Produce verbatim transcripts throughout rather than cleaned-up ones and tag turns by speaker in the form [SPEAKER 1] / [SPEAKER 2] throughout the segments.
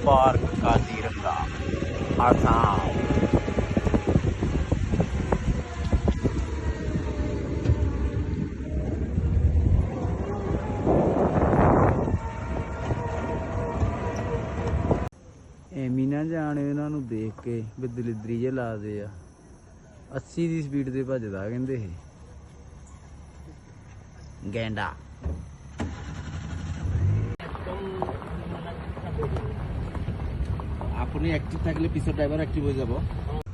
[SPEAKER 1] Park Kaziranga Assam. ਐਵੇਂ ਨਾ ਜਾਣ ਇਹਨਾਂ ਨੂੰ ਦੇਖ ਕੇ ਵੀ ਦਲਿਦਰੀ ਜੇ ਲਾਦੇ ਆ। अस्सी ਦੀ ਸਪੀਡ ਤੇ ਭੱਜਦਾ ਕਹਿੰਦੇ ਇਹ ਗੈਂਡਾ।
[SPEAKER 2] আপনি অ্যাক্টিভ থাকলে পিছর ড্রাইভার অ্যাক্টিভ হয়ে যাব।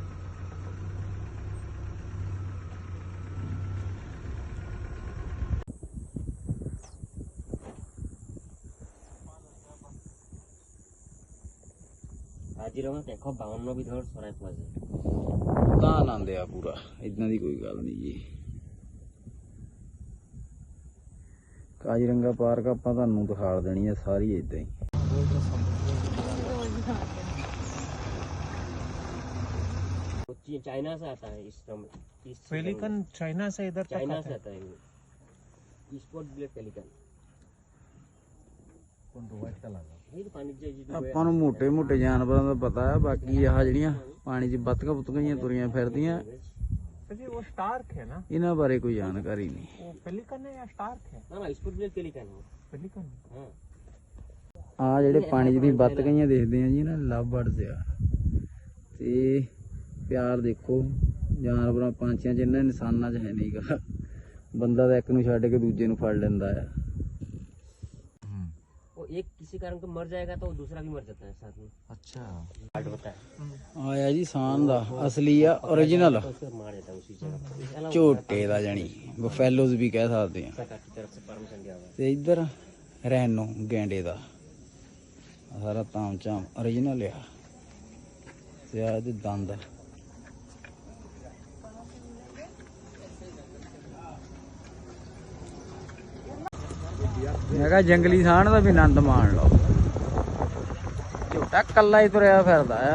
[SPEAKER 3] काजीरंगा देखो बावन विधर चराई पा जाए
[SPEAKER 1] ਤਾਂ ਆਨੰਦ ਆ ਪੂਰਾ, ਇਦਾਂ ਦੀ ਕੋਈ ਗੱਲ ਨਹੀਂ ਜੀ। ਕਾਜ਼ੀਰੰਗਾ ਪਾਰਕ ਆਪਾਂ ਤੁਹਾਨੂੰ ਦਿਖਾ ਦੇਣੀ ਆ ਸਾਰੀ ਇਦਾਂ ਹੀ।
[SPEAKER 3] चाइना से आता है इस
[SPEAKER 4] पेलिकन चाइना से इधर तक
[SPEAKER 3] चाइना
[SPEAKER 4] आता
[SPEAKER 3] से
[SPEAKER 4] है।
[SPEAKER 3] आता है स्पॉट ब्लैक पेलिकन।
[SPEAKER 1] ਆਪਾਂ ਨੂੰ ਮੋਟੇ ਮੋਟੇ ਜਾਨਵਰਾਂ ਦਾ ਪਤਾ ਹੈ, ਬਾਕੀ ਆਹ ਜਿਹੜੀਆਂ ਪਾਣੀ 'ਚ ਬੱਤਕਾਂ ਬੁੱਤਕਾਂ ਜਿਹੀਆਂ ਤੁਰੀਆਂ ਫਿਰਦੀਆਂ
[SPEAKER 4] जी वो स्टार्क है ना,
[SPEAKER 1] ਇਹਨਾਂ ਬਾਰੇ ਕੋਈ ਜਾਣਕਾਰੀ ਨਹੀਂ।
[SPEAKER 4] वो पेलिकन है या स्टार्क है?
[SPEAKER 3] ना ना स्पॉट ब्लैक पेलिकन है।
[SPEAKER 4] पेलिकन
[SPEAKER 3] हाँ
[SPEAKER 1] ਆ ਜਿਹੜੇ ਪਾਣੀ 'ਚ ਦੀ ਬੱਤਕਾਂ ਜਿਹੀਆਂ ਦੇਖਦੇ ਆ ਜੀ ਨਾ, ਲਵ ਬਰਡਸ ਆ। ਤੇ ਪਿਆਰ ਦੇਖੋ ਜਾਨਵਰਾਂ ਪੰਛੀਆਂ 'ਚ, ਇਹਨਾਂ ਇਨਸਾਨਾਂ 'ਚ ਹੈ ਨਹੀਂਗਾ। ਬੰਦਾ ਤਾਂ ਇੱਕ ਨੂੰ ਛੱਡ ਕੇ ਦੂਜੇ ਨੂੰ ਫੜ ਲੈਂਦਾ ਆ।
[SPEAKER 3] वो एक किसी कारण को मर जाएगा तो दूसरा भी मर जाता है साथ में।
[SPEAKER 2] अच्छा
[SPEAKER 3] हार्ट होता है
[SPEAKER 1] ਆਇਆ ਜੀ ਸਾਨ ਦਾ ਅਸਲੀ ਆ, ओरिजिनल
[SPEAKER 3] तो उसे मार देता है उसी जगह पे।
[SPEAKER 1] ਝੋਟੇ ਦਾ ਜਾਨੀ ਬਫੈਲੋਜ਼ ਵੀ ਕਹਿ ਸਕਦੇ ਆ।
[SPEAKER 3] सरकार की तरफ से परमिशन दिया हुआ है।
[SPEAKER 1] ਤੇ ਇੱਧਰ ਰੈਨੋ ਗੈਂਡੇ ਦਾ ਸਾਰਾ ਤਾਮ ਚਾਮ ओरिजिनल ਆ। ਤੇ ਆ ਇਹਦੇ ਦੰਦ ਮੈਂ ਕਿਹਾ ਜੰਗਲੀ ਸਾਣ ਦਾ ਵੀ ਆਨੰਦ ਮਾਣ ਲਓ। ਝੋਟਾ ਕੱਲਾ ਹੀ ਤੁਰਿਆ ਫਿਰਦਾ ਆ।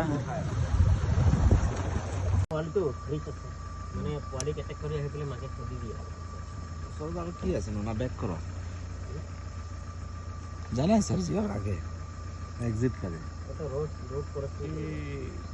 [SPEAKER 3] पॉली तो नहीं सकता मैंने पॉली के अटैक करिए के लिए मार के छोड़ दिया।
[SPEAKER 2] সব আর কি আছে না ব্যাক করো জানেন স্যার জি আগে এক্সিট করে
[SPEAKER 3] वो तो रोड रोड पर